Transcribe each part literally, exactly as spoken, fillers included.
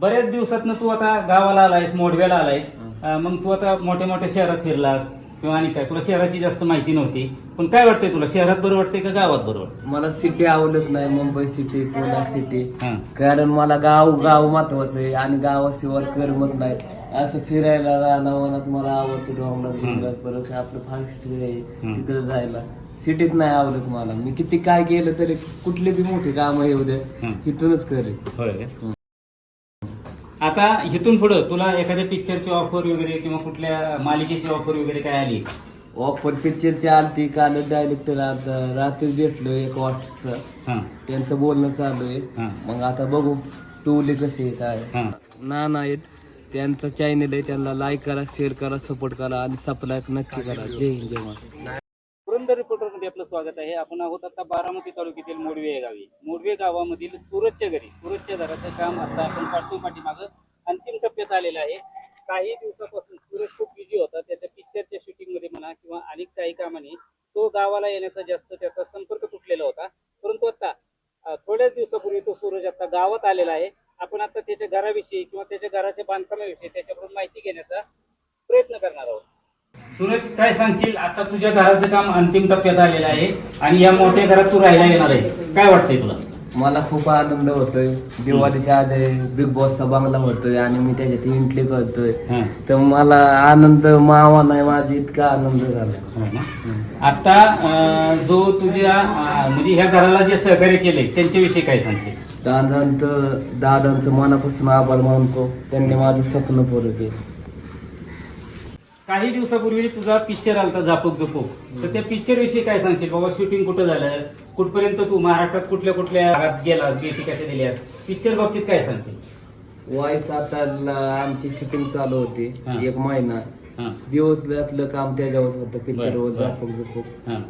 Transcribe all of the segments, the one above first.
बऱ्याच दिवसातनं तू आता गावाला आलायस, मोडव्याला आलायस, अं, मग तू आता मोठ्या मोठ्या शहरात फिरलास किंवा आणि काय, तुला शहराची जास्त माहिती नव्हती, पण काय वाटतंय तुला, शहरात बरं वाटतंय का गावात बरं वाटतं? मला सिटी आवडत नाही, मुंबई सिटी, पुणे सिटी. हा. कारण मला गाव गाव महत्वाचं आहे आणि गावाशिवाय करमत नाही. असं फिरायला राहणं मला आवडतं, डोंगरात डोंगरात परत आपलं फास्ट आहे तिकडे जायला. सिटीत नाही आवडत मला. मी किती काय केलं तरी कुठले बी मोठे काम येऊ दे इथूनच करेन. होय का? आता इथून पुढं तुला एखाद्या पिक्चरची ऑफर वगैरे किंवा कुठल्या मालिकेची ऑफर वगैरे काय आली? ऑफर पिक्चरची आलती काल. डायरेक्टर आता रात्री भेटलो एक वाजता, हा त्यांचं बोलणं चालू आहे. हा. मग आता बघू टूले कसे आहे काय. हा. ना नाहीत त्यांचा चॅनल आहे, त्यांना लाईक करा, शेअर करा, सपोर्ट करा आणि सबस्क्राईब नक्की करा. जय हिंद जय महाराष्ट्र. पुरंदर रिपोर्टर मध्ये आपलं स्वागत आहे. आपण आहोत आता बारामती तालुक्यातील मोडवे या गावी. मोडवे गावामधील सूरजच्या घरी, सूरजच्या घराचं काम आता आपण पाठवून पाठीमागं अंतिम टप्प्यात आलेलं आहे. काही दिवसापासून सूरज खूप बिझी होता, त्याच्या पिक्चरच्या शूटिंग मध्ये म्हणा किंवा अनेक काही कामाने तो गावाला येण्याचा जास्त त्याचा संपर्क तुटलेला होता. परंतु आता थोड्याच दिवसापूर्वी तो सूरज आता गावात आलेला आहे. आपण आता त्याच्या घराविषयी किंवा त्याच्या घराच्या बांधकामाविषयी त्याच्याकडून माहिती घेण्याचा प्रयत्न करणार आहोत. सूरज, काय सांगशील, आता तुझ्या घराचं काम अंतिम टप्प्यात आलेलं आहे आणि या मोठ्या घरात तू राहायला येणार आहेस, काय वाटतंय तुला? मला खूप आनंद होतोय. दिवाळीच्या आधी बिग बॉसचा बंगला होतोय आणि मी त्याच्यात एंट्री करतोय, तर मला आनंद मावा नाही माझा, इतका आनंद झाला. आता अं, जो तुझ्या अं, म्हणजे ह्या घराला जे सहकार्य केले त्यांच्याविषयी काय सांगशील? दादांचं दादांचं मनापासून आभार मानतो, त्यांनी माझं स्वप्न पूर्ण केलं. काही दिवसापूर्वी तुझा पिक्चर आलता झापूक झुपूक, तर त्या पिक्चर विषयी काय सांगशील बाबा? शूटिंग कुठं झालं, कुठपर्यंत तू महाराष्ट्रात कुठल्या कुठल्या भागात गेलास, भेटी कशा दिल्यास, पिक्चर बाबतीत काय सांगशील? वाईस आता आमची शूटिंग चालू होती हा. एक महिना हा. दिवसभरातलं काम त्याच्यावर होतं पिक्चरवर बरं. झापूक झुपूक. हा.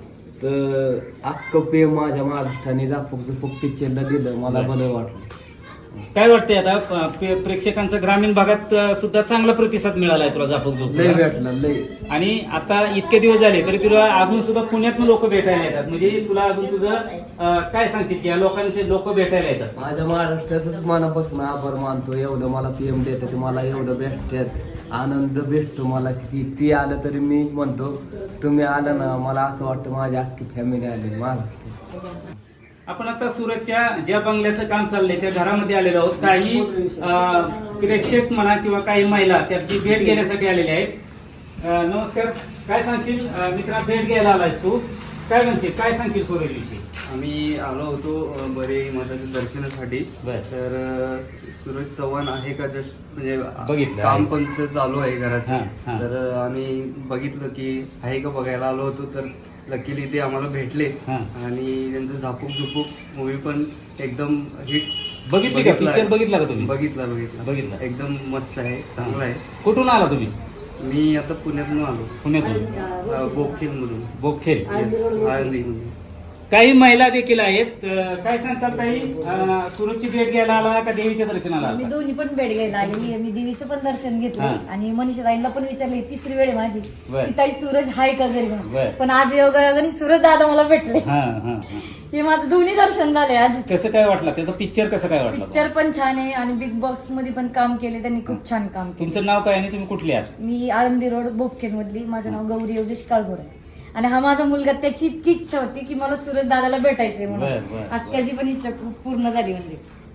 तर अख्खं पे माझ्या महाराष्ट्राने झापूक झुपूक पिक्चरला दिलं, मला बरं. बरं वाटलं. काय वाटतंय आता प- पे- प्रेक्षकांचा ग्रामीण भागात अं, सुद्धा चांगला प्रतिसाद मिळालाय तुला झापूक लय झुपूक, भेटलं लय. आणि आता इतके दिवस झाले तरी तुला अजून सुद्धा पुण्यातून लोक भेटायला येतात, म्हणजे तुला अजून तुझं अं, काय सांगशील की या लोकांचे लोक भेटायला येतात? माझ्या महाराष्ट्रातच मनापासून आभार मानतो. एवढं मला पीएम देतात, मला एवढं भेटतात, आनंद भेटतो मला. किती ती आलं तरी मी म्हणतो तुम्ही आलं ना, मला असं वाटतं माझी अख्खी फॅमिली आली महाराष्ट्रात. आपण आता सूरजच्या ज्या बंगल्याचं काम चाललंय त्या घरामध्ये आलेलो आहोत. काही अं, प्रेक्षक म्हणा किंवा काही महिला त्याची भेट घेण्यासाठी आलेल्या आहेत. अं, नमस्कार, काय सांगशील अं, मित्रा, भेट घ्यायला आलायस तू, काय म्हणशील, काय सांगशील सूरज विषयी? आम्ही आलो होतो अ, बरे माताच्या दर्शनासाठी. बर. तर अ, सूरज चव्हाण आहे का जस्ट म्हणजे बघितलं. काम पण तिथं चालू आहे हा, घराचं. हा. तर अ, आम्ही बघितलं की आहे का बघायला आलो होतो, तर लकीली ते आम्हाला भेटले. हा. आणि त्यांचं झापूक झुपूक मूवी पण एकदम हिट. बघितली का पिक्चर? बघितला का तुम्ही? बघितला बघितला बघितला. एकदम मस्त आहे, चांगला आहे. कुठून आला तुम्ही? मी आता पुण्यातून आलो, पुण्यातून. बोपखेल मधून. बोपखेल. आळंदी मधून. काही महिला देखील आहेत. अं, काय सांगतात ताई, अं, सूरजची भेट घ्यायला आला का देवीच्या दर्शनाला मी आला? दोन्ही पण भेट घ्यायला आलेली. मी देवीचं पण दर्शन घेतलं हा. आणि मनीषा ताईंना पण विचारले, तिसरी वेळ आहे माझी बर. की ताई सूरज हाय का घरी म्हणून. बर. पण आज योगायोगाने सूरज दादा मला भेटले. हा, हा, हा. हे माझं दोन्ही दर्शन झाले आज. कसं काय वाटलं त्याचा पिक्चर, कसं काय वाटलं? पिक्चर पण छान आहे आणि बिग बॉस मध्ये पण काम केले त्यांनी, खूप छान काम केलं. तुमचं नाव काय आणि तुम्ही कुठले आहात? मी आळंदी रोड बोपखेल मधली, माझं नाव गौरी योगेश काळगोड आहे. आणि हा माझा मुलगा, त्याची इतकी इच्छा होती की मला सूरज दादाला भेटायचंय बर, म्हणून. बर, आज बर. त्याची पण इच्छा खूप पूर्ण झाली. म्हणजे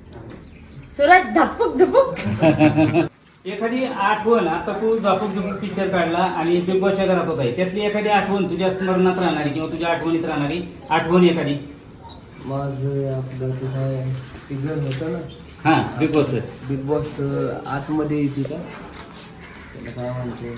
सूरज झपक झपक. एखादी आठवण, आता तू झापूक झुपूक पिक्चर काढला आणि बिग बॉसच्या घरात होता, त्यातली एखादी आठवण तुझ्या स्मरणात राहणारी किंवा तुझ्या आठवणीत राहणारी आठवण एखादी? माझं आपलं ते काय ते घर होतं ना, हा, बिग बॉस. बिग बॉस आतमध्ये यायची का, त्याला काय म्हणते,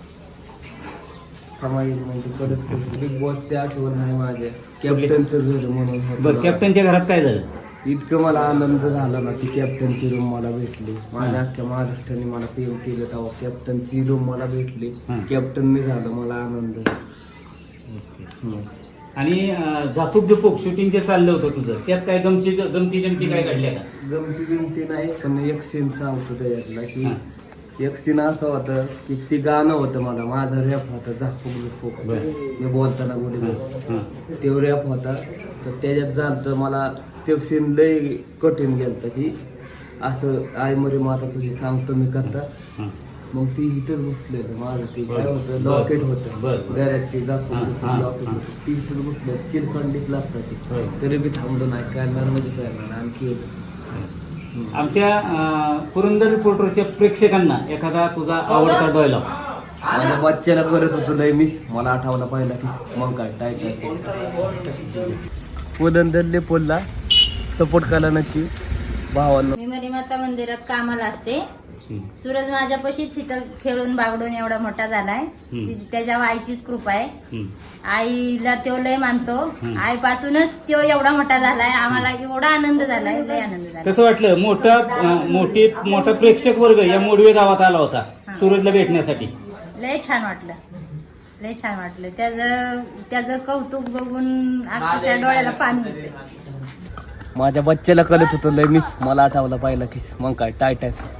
कमाई म्हणजे कडक. बिग बॉसची आठवण आहे माझ्या. कॅप्टनचं घर म्हणून होतं. बरं, कॅप्टनच्या घरात काय झालं? इतकं मला आनंद झाला ना, ती कॅप्टनची रूम मला भेटली. माझ्या अख्ख्या महाराष्ट्राने मला पीएम केलं तेव्हा कॅप्टनची रूम मला भेटली. हा. कॅप्टनने झालं मला आनंद. हम्म. आणि अं, झापूक झुपूक शूटिंग जे चाललं होतं तुझं, त्यात काय गमती गमती जमती काय घडल्या का? गमती बिमती नाही, पण एक सीन सांगतो त्याच्यातला की हा. एक सीन असं होतं की ते गाणं होतं, मला माझा रॅप होता झापूक झुपूक, बरं. मी बोलताना गुढी हा. ते रॅप होता. तर त्याच्यात झालं मला ते सीन लय कठीण गेलं की असं आई मरे माता तुझी सांगतो मी करता हं. मग ती इथंच बसलेलं माझं ते काय बरं. होतं बरं. लॉकेट होतं बरं, बरं. घरात ते दाखवून हां, होतं, हां, लॉकेट हां. होतं ती इथंच बसलं चिरखंडीत लागतात ते होय. तरी बी थांबलो नाही करणार म्हणजे करणार आणखी हं. आमच्या अं, पुरंदर रिपोर्टरच्या प्रेक्षकांना एखादा तुझा आवडता डायलॉग माझ्या बच्च्याला करत होतो लय मिस मला आठवला पाहिला की मग काय टाईट पुलंदरले पोलला सपोर्ट करा नक्की भावांना. मी मरीमाता मंदिरात कामाला असते. सूरज माझ्यापाशीच इथं खेळून बागडून एवढा मोठा झालाय. ती- त्याच्या आईचीच कृपा आहे. आईला तो लय मानतो. आईपासूनच तो एवढा मोठा झालाय. आम्हाला एवढा आनंद झालाय, लय आनंद झाला. कसं वाटलं मोठा अं, मोठी मोठा प्रेक्षक वर्ग या मोडवे गावात आला होता सूरजला भेटण्यासाठी. लय छान वाटलं, लय छान वाटलं. त्याचं त्याचं कौतुक बघून अक्षरशः डोळ्याला पाणी येते. माझ्या बच्च्याला करत होतो लय मिस मला आठवला पाहिला की मग काय टाईट आहे